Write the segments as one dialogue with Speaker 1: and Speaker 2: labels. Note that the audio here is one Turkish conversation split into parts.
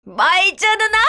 Speaker 1: Vay canına.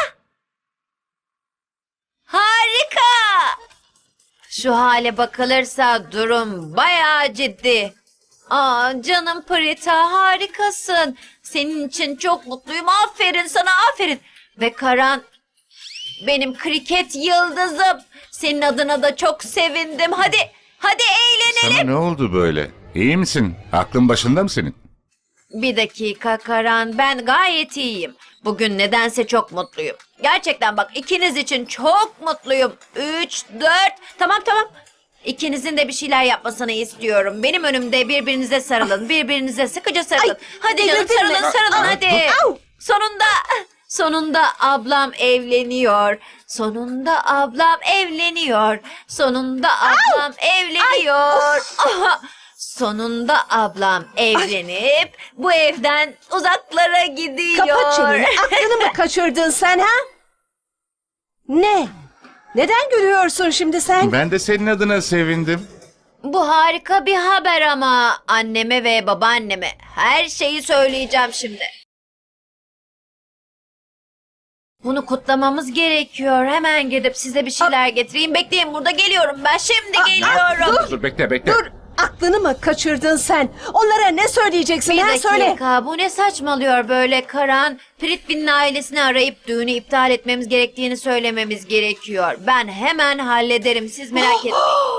Speaker 1: Harika. Şu hale bakılırsa durum bayağı ciddi. Aa, canım Prita, harikasın. Senin için çok mutluyum. Aferin sana, aferin. Ve Karan, benim kriket yıldızım. Senin adına da çok sevindim. Hadi eğlenelim.
Speaker 2: Sana ne oldu böyle? İyi misin? Aklın başında mı senin?
Speaker 1: Bir dakika Karan, ben gayet iyiyim. Bugün nedense çok mutluyum. Gerçekten bak, ikiniz için çok mutluyum. 3, 4, tamam. İkinizin de bir şeyler yapmasını istiyorum. Benim önümde birbirinize sarılın. Birbirinize sıkıca sarılın.
Speaker 3: Ay,
Speaker 1: hadi canım,
Speaker 3: delirdin mi?
Speaker 1: sarılın hadi.
Speaker 3: Au!
Speaker 1: Sonunda ablam evleniyor. Sonunda ablam evleniyor. Sonunda ablam evleniyor. Aha! Sonunda ablam evlenip bu evden uzaklara gidiyor.
Speaker 3: Kapat çeneni. Aklını mı kaçırdın sen ha? Ne? Neden gülüyorsun şimdi sen?
Speaker 2: Ben de senin adına sevindim.
Speaker 1: Bu harika bir haber ama anneme ve babaanneme her şeyi söyleyeceğim şimdi. Bunu kutlamamız gerekiyor. Hemen gidip size bir şeyler getireyim. Bekleyin, burada geliyorum ben. Şimdi geliyorum.
Speaker 2: Dur bekle.
Speaker 3: Dur. Aklını mı kaçırdın sen? Onlara ne söyleyeceksin
Speaker 1: Bir
Speaker 3: ha?
Speaker 1: dakika,
Speaker 3: Söyle.
Speaker 1: bu ne saçmalıyor böyle Karan? Pritvin'in ailesini arayıp düğünü iptal etmemiz gerektiğini söylememiz gerekiyor. Ben hemen hallederim, siz merak etmeyin.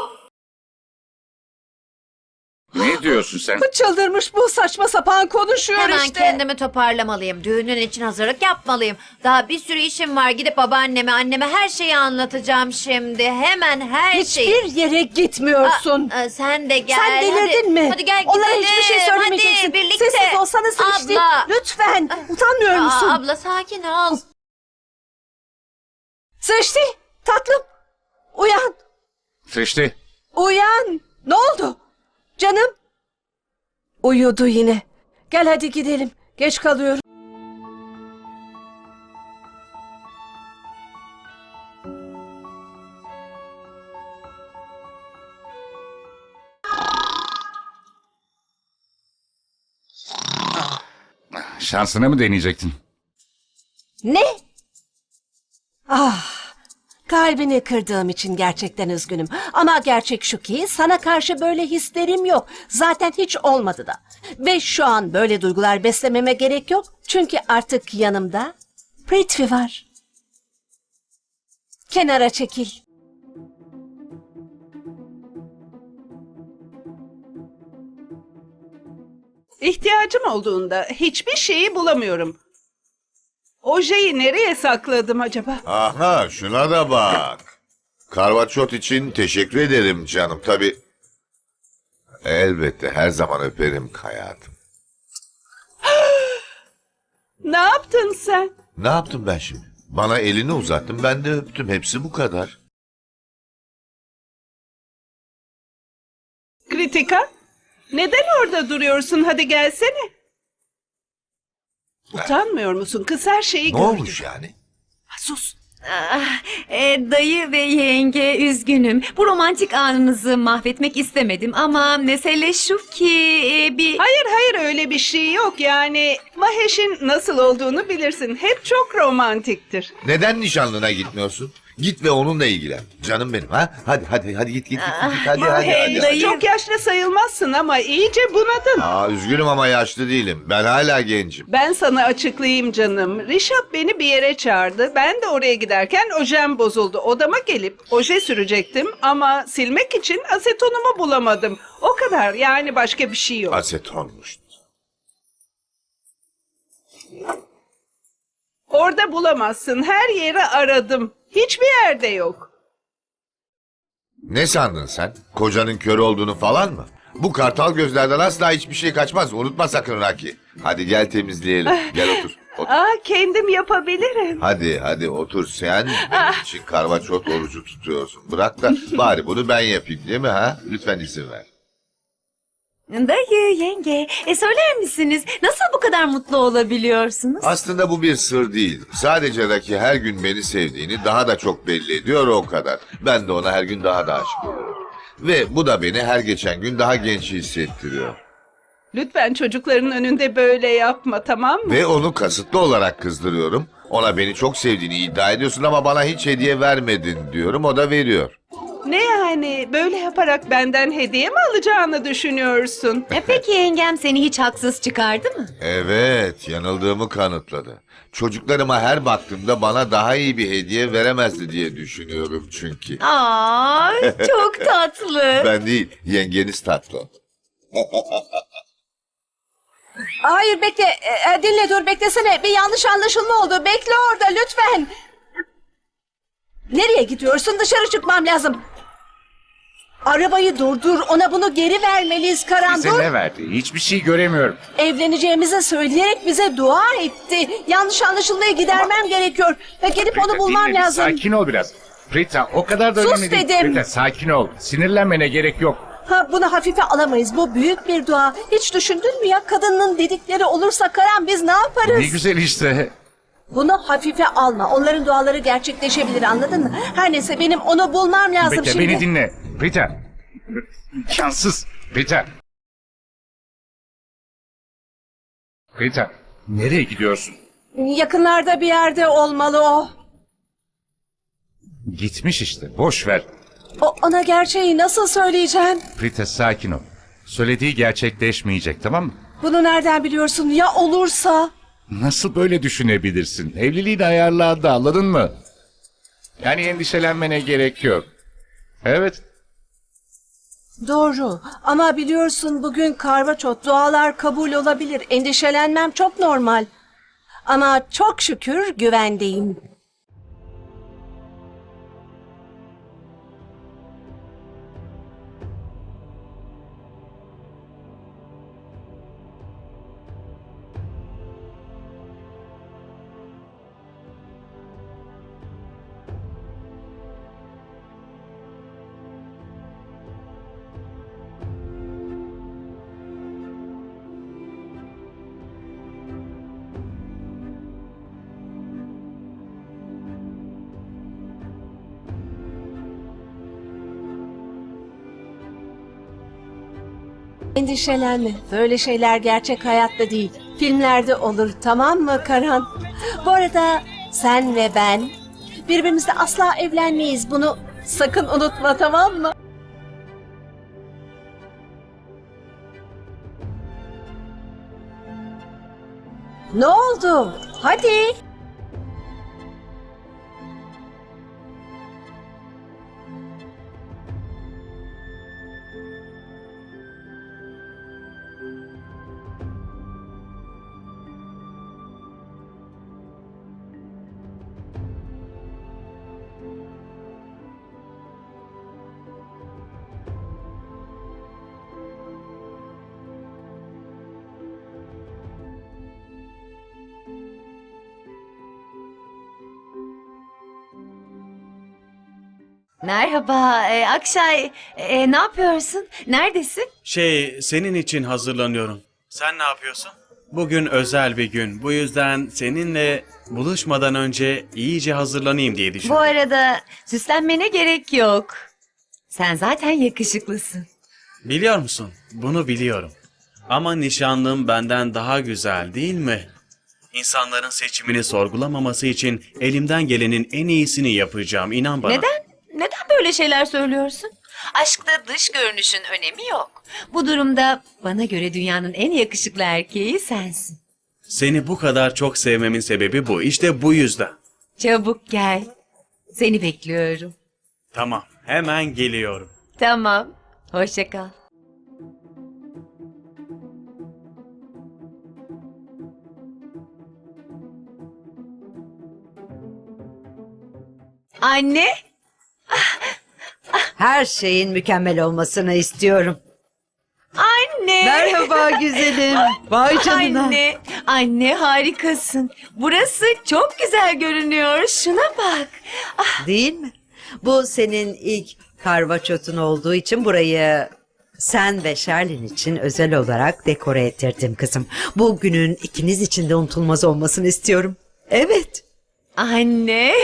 Speaker 2: Ne diyorsun sen?
Speaker 3: Çıldırmış bu, saçma sapan konuşuyor
Speaker 1: Hemen
Speaker 3: işte.
Speaker 1: kendimi toparlamalıyım. Düğünün için hazırlık yapmalıyım. Daha bir sürü işim var. Gidip babaanneme, anneme her şeyi anlatacağım şimdi. Hemen her şeyi.
Speaker 3: Hiçbir yere gitmiyorsun.
Speaker 1: Sen de gel.
Speaker 3: Sen delirdin
Speaker 1: hadi.
Speaker 3: mi?
Speaker 1: Hadi gel
Speaker 3: Onlara
Speaker 1: gidelim.
Speaker 3: hiçbir şey söylemeyeceksin.
Speaker 1: Hadi birlikte.
Speaker 3: Sessiz olsana Srişti.
Speaker 1: Abla.
Speaker 3: Lütfen. Utanmıyor musun?
Speaker 1: Abla sakin ol.
Speaker 3: Srişti, tatlım. Uyan.
Speaker 2: Srişti.
Speaker 3: Uyan. Ne oldu? Canım. Uyudu yine. Gel hadi gidelim. Geç kalıyorum.
Speaker 2: Şansını mı deneyecektin?
Speaker 3: Ne? Ah, kalbini kırdığım için gerçekten üzgünüm. Ama gerçek şu ki sana karşı böyle hislerim yok. Zaten hiç olmadı da. Ve şu an böyle duygular beslememe gerek yok. Çünkü artık yanımda Prithvi var. Kenara çekil.
Speaker 4: İhtiyacım olduğunda hiçbir şeyi bulamıyorum. Ojeyi nereye sakladım acaba?
Speaker 5: Aha, şuna da bak. Karvaçot için teşekkür ederim canım. Tabii elbette her zaman öperim hayatım.
Speaker 4: Ne yaptın sen?
Speaker 5: Ne yaptım ben şimdi? Bana elini uzattın, ben de öptüm. Hepsi bu kadar.
Speaker 4: Kritika? Neden orada duruyorsun? Hadi gelsene. Utanmıyor musun? Kız her şeyi
Speaker 5: Ne
Speaker 4: gördü.
Speaker 5: olmuş yani?
Speaker 4: Sus.
Speaker 6: Dayı ve yenge üzgünüm. Bu romantik anınızı mahvetmek istemedim ama mesele şu ki
Speaker 4: Hayır öyle bir şey yok. Yani Mahesh'in nasıl olduğunu bilirsin. Hep çok romantiktir.
Speaker 5: Neden nişanlına gitmiyorsun? Git ve onunla ilgilen. Canım benim ha? Hadi git. Hadi.
Speaker 4: Hey, çok yaşlı sayılmazsın ama iyice bunadın.
Speaker 5: Aa, üzgünüm ama yaşlı değilim. Ben hala gencim.
Speaker 4: Ben sana açıklayayım canım. Rişap beni bir yere çağırdı. Ben de oraya giderken ojem bozuldu. Odama gelip oje sürecektim ama silmek için asetonumu bulamadım. O kadar, yani başka bir şey yok.
Speaker 5: Asetonmuş.
Speaker 4: Orada bulamazsın. Her yeri aradım. Hiçbir yerde yok.
Speaker 5: Ne sandın sen? Kocanın kör olduğunu falan mı? Bu kartal gözlerden asla hiçbir şey kaçmaz. Unutma sakın Raki. Hadi gel temizleyelim. Gel otur.
Speaker 4: Kendim yapabilirim.
Speaker 5: Hadi otur. Sen benim için karvaçot orucu tutuyorsun. Bırak da bari bunu ben yapayım değil mi ha? Lütfen izin ver.
Speaker 6: dayı, yenge, söyler misiniz nasıl bu kadar mutlu olabiliyorsunuz?
Speaker 5: Aslında bu bir sır değil. Sadece Raki her gün beni sevdiğini daha da çok belli ediyor, o kadar. Ben de ona her gün daha da aşık oluyorum. Ve bu da beni her geçen gün daha genç hissettiriyor.
Speaker 4: Lütfen çocukların önünde böyle yapma, tamam mı?
Speaker 5: Ve onu kasıtlı olarak kızdırıyorum. Ona beni çok sevdiğini iddia ediyorsun ama bana hiç hediye vermedin diyorum, o da veriyor.
Speaker 4: Ne yani, böyle yaparak benden hediye mi alacağını düşünüyorsun?
Speaker 6: Peki yengem seni hiç haksız çıkardı mı?
Speaker 5: Evet, yanıldığımı kanıtladı. Çocuklarıma her baktığımda bana daha iyi bir hediye veremezdi diye düşünüyorum çünkü.
Speaker 6: Aa, çok tatlı.
Speaker 5: Ben değil, yengeniz tatlı.
Speaker 3: Hayır bekle. Dinle dur beklesene. Bir yanlış anlaşılma oldu. Bekle orada lütfen. Nereye gidiyorsun? Dışarı çıkmam lazım. Arabayı durdur. Ona bunu geri vermeliyiz Karan.
Speaker 2: Bize
Speaker 3: Dur.
Speaker 2: ne verdi? Hiçbir şey göremiyorum.
Speaker 3: Evleneceğimizi söyleyerek bize dua etti. Yanlış anlaşılmayı gidermem gerekiyor. Ve gelip onu
Speaker 2: Prita,
Speaker 3: bulmam
Speaker 2: dinle,
Speaker 3: lazım.
Speaker 2: Sakin ol biraz. Prita, o kadar da
Speaker 3: Sus
Speaker 2: önemli değil.
Speaker 3: dedim.
Speaker 2: Prita, sakin ol. Sinirlenmene gerek yok.
Speaker 3: Bunu hafife alamayız. Bu büyük bir dua. Hiç düşündün mü ya? Kadının dedikleri olursa Karan biz ne yaparız?
Speaker 2: Ne güzel işte.
Speaker 3: Bunu hafife alma. Onların duaları gerçekleşebilir, anladın mı? Her neyse benim onu bulmam lazım
Speaker 2: Bekle,
Speaker 3: şimdi.
Speaker 2: beni dinle. Prita. İmkansız. Prita. Prita, nereye gidiyorsun?
Speaker 3: Yakınlarda bir yerde olmalı o.
Speaker 2: Gitmiş işte. Boş ver.
Speaker 3: Ona gerçeği nasıl söyleyeceğim?
Speaker 2: Prita, sakin ol. Söylediği gerçekleşmeyecek, tamam mı?
Speaker 3: Bunu nereden biliyorsun? Ya olursa?
Speaker 2: Nasıl böyle düşünebilirsin? Evliliğini ayarladı, anladın mı? Yani endişelenmene gerek yok. Evet.
Speaker 3: Doğru. Ama biliyorsun bugün karvaçot, dualar kabul olabilir. Endişelenmem çok normal. Ama çok şükür güvendeyim. Endişelenme. Böyle şeyler gerçek hayatta değil. Filmlerde olur, tamam mı Karan? Bu arada sen ve ben birbirimizle asla evlenmeyiz. Bunu sakın unutma, tamam mı? Ne oldu? Hadi.
Speaker 6: Merhaba Akşay. Ne yapıyorsun? Neredesin?
Speaker 7: Senin için hazırlanıyorum. Sen ne yapıyorsun? Bugün özel bir gün. Bu yüzden seninle buluşmadan önce iyice hazırlanayım diye
Speaker 6: Bu
Speaker 7: düşündüm.
Speaker 6: arada süslenmene gerek yok. Sen zaten yakışıklısın.
Speaker 7: Biliyor musun? Bunu biliyorum. Ama nişanlım benden daha güzel değil mi? İnsanların seçimini sorgulamaması için elimden gelenin en iyisini yapacağım. İnan bana.
Speaker 6: Neden? Neden böyle şeyler söylüyorsun? Aşkta dış görünüşün önemi yok. Bu durumda bana göre dünyanın en yakışıklı erkeği sensin.
Speaker 7: Seni bu kadar çok sevmemin sebebi bu. İşte bu yüzden.
Speaker 6: Çabuk gel. Seni bekliyorum.
Speaker 7: Tamam, hemen geliyorum.
Speaker 6: Tamam. Hoşça kal. Anne,
Speaker 8: Her şeyin mükemmel olmasını istiyorum.
Speaker 6: anne.
Speaker 8: Merhaba güzelim. Vay canına.
Speaker 6: Anne harikasın. Burası çok güzel görünüyor. Şuna bak.
Speaker 8: Değil mi? Bu senin ilk karvaçotun olduğu için burayı sen ve Sherlin için özel olarak dekore ettirdim kızım. Bu günün ikiniz için de unutulmaz olmasını istiyorum. Evet.
Speaker 6: Anne.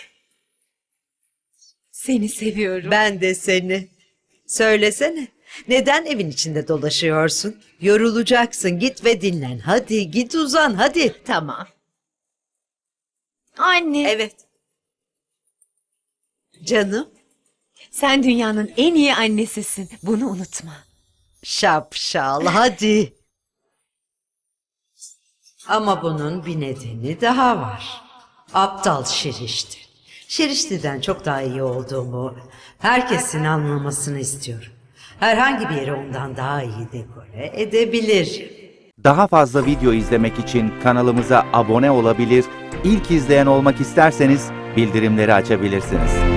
Speaker 6: Seni seviyorum.
Speaker 8: Ben de seni. Söylesene. Neden evin içinde dolaşıyorsun? Yorulacaksın. Git ve dinlen. Hadi git uzan hadi.
Speaker 6: Tamam.
Speaker 1: Anne.
Speaker 8: Evet. Canım.
Speaker 6: Sen dünyanın en iyi annesisin. Bunu unutma.
Speaker 8: Şapşal hadi. Ama bunun bir nedeni daha var. Aptal Şirişti. Şirişti'den çok daha iyi olduğumu herkesin anlamasını istiyorum. Herhangi bir yeri ondan daha iyi dekore edebilir.
Speaker 9: Daha fazla video izlemek için kanalımıza abone olabilir, ilk izleyen olmak isterseniz bildirimleri açabilirsiniz.